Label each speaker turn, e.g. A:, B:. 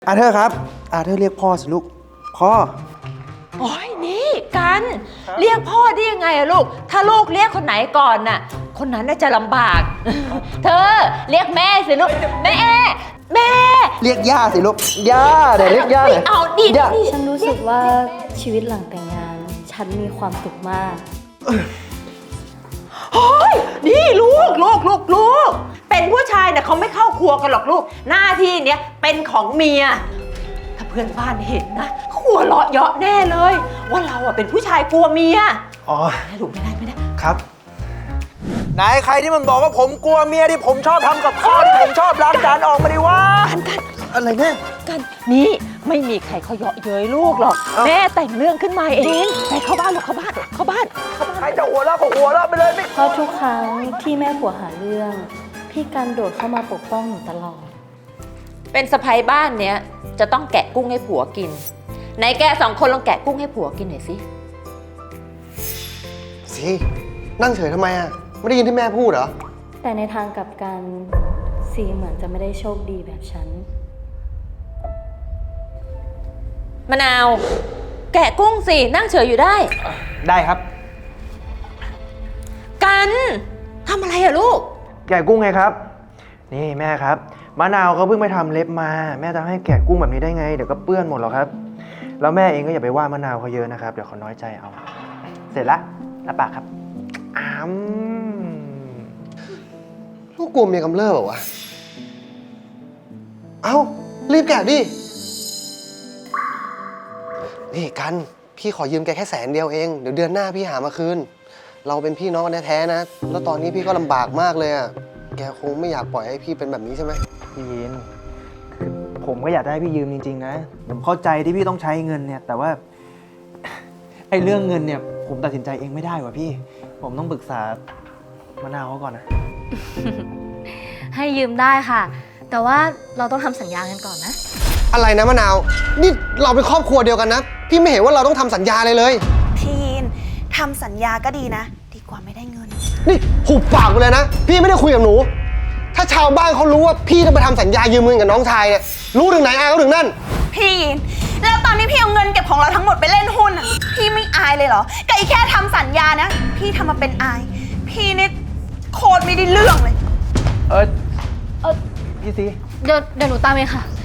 A: อาเธอร์ครับอาเธอร์เรียกพ่อสิลูกพ่อ
B: โอ้ยนี่กันเรียกพ่อได้ยังไงอะลูกถ้าลูกเรียกคนไหนก่อนน่ะคนนั้นน่าจะลำบาก เธอเรียกแม่สิลูกแม่
A: เรียกย่าสิลูกย่าเดี๋ยวเรียกย่าเลย
B: เอาดิ
C: ฉันรู้สึกว่าชีวิตหลังแต่งงานฉันมีความสุขมาก
B: โอ้ยนี่ลูกเป็นผู้ชายเนี่ยเขาไม่เข้าครัวกันหรอกลูกหน้าที่เนี้ยเป็นของเมียถ้าเพื่อนบ้านเห็นนะเขาหัวเราะเยาะแน่เลย ว่าเราอะเป็นผู้ชายกลัวเมีย
A: อ๋อ
B: ไม่ลูกไม่ได้
A: ครับไหนใครที่มันบอกว่าผมกลัวเมียที่ผมชอบทำกับข้าวที่ผมชอบล้างจานออกมาดิวะอะไรแม่
B: กันนี่ไม่มีใครเขาเยาะเย้ยลูกหรอกแม่แต่งเรื่องขึ้นมาเองไปเข้าบ้านหรอกเข้าบ้าน
A: ใครจะหัวเราะก็หัวเราะไปเลยไม่
C: เพราะทุกครั้งที่แม่ผัวหาเรื่องพี่กันโดดเข้ามาปกป้องหนูตลอด
B: เป็นสะใภ้บ้านเนี้ยจะต้องแกะกุ้งให้ผัวกินไหนแกสองคนลองแกะกุ้งให้ผัวกินหน่อยสิ
A: สินั่งเฉยทำไมอ่ะไม่ได้ยินที่แม่พูดเหรอ
C: แต่ในทางกลับกันซีเหมือนจะไม่ได้โชคดีแบบฉัน
B: มะนาวแกะกุ้งสินั่งเฉยอยู่ได้
A: ได้ครับ
B: กันทำอะไรอะลูก
A: แกะกุ้งไงครับนี่แม่ครับมะนาวเขาเพิ่งไปทำเล็บมาแม่จะให้แกะกุ้งแบบนี้ได้ไงเดี๋ยวก็เปื้อนหมดหรอกครับแล้วแม่เองก็อย่าไปว่ามะนาวเขาเยอะนะครับเดี๋ยวเขาน้อยใจเอาเสร็จละรับปากครับลูกกลัวเมียกำเริบเหรอวะเอ้ารีบแกะดินี่กันพี่ขอยืมแกแค่100,000เองเดี๋ยวเดือนหน้าพี่หามาคืนเราเป็นพี่น้องกันแท้ๆนะแล้วตอนนี้พี่ก็ลำบากมากเลยอ่ะแกคงไม่อยากปล่อยให้พี่เป็นแบบนี้ใช่ไหมพี่ยินคือผมก็อยากได้พี่ยืมจริงๆนะผมเข้าใจที่พี่ต้องใช้เงินเนี่ยแต่ว่าไอ้เรื่องเงินเนี่ยผมตัดสินใจเองไม่ได้ว่ะพี่ผมต้องปรึกษามะนาวเขาก่อนนะ
C: ให้ยืมได้ค่ะแต่ว่าเราต้องทำสัญญากันก่อนนะ
A: อะไรนะมะนาวนี่เราเป็นครอบครัวเดียวกันนะพี่ไม่เห็นว่าเราต้องทำสัญญาเลย
D: พี่ยินทำสัญญาก็ดีนะดีกว่าไม่ได้เงิน
A: นี่หุบปากไปเลยนะพี่ไม่ได้คุยกับหนูถ้าชาวบ้านเขารู้ว่าพี่จะไปทำสัญญายืมเงินกับน้องชายเนี่ยรู้ถึงไหนอายเขาถึงนั่น
D: พี่ยินแล้วตอนนี้พี่เอาเงินเก็บของเราทั้งหมดไปเล่นหุ้นอ่ะพี่ไม่อายเลยเหรอก็อีแค่ทำสัญญานะพี่ทำมาเป็นอายพี่นี่โคตรไม่ได้เรื่องเลย
C: พี่ซีเดี๋ยวหนูตามเองค่ะ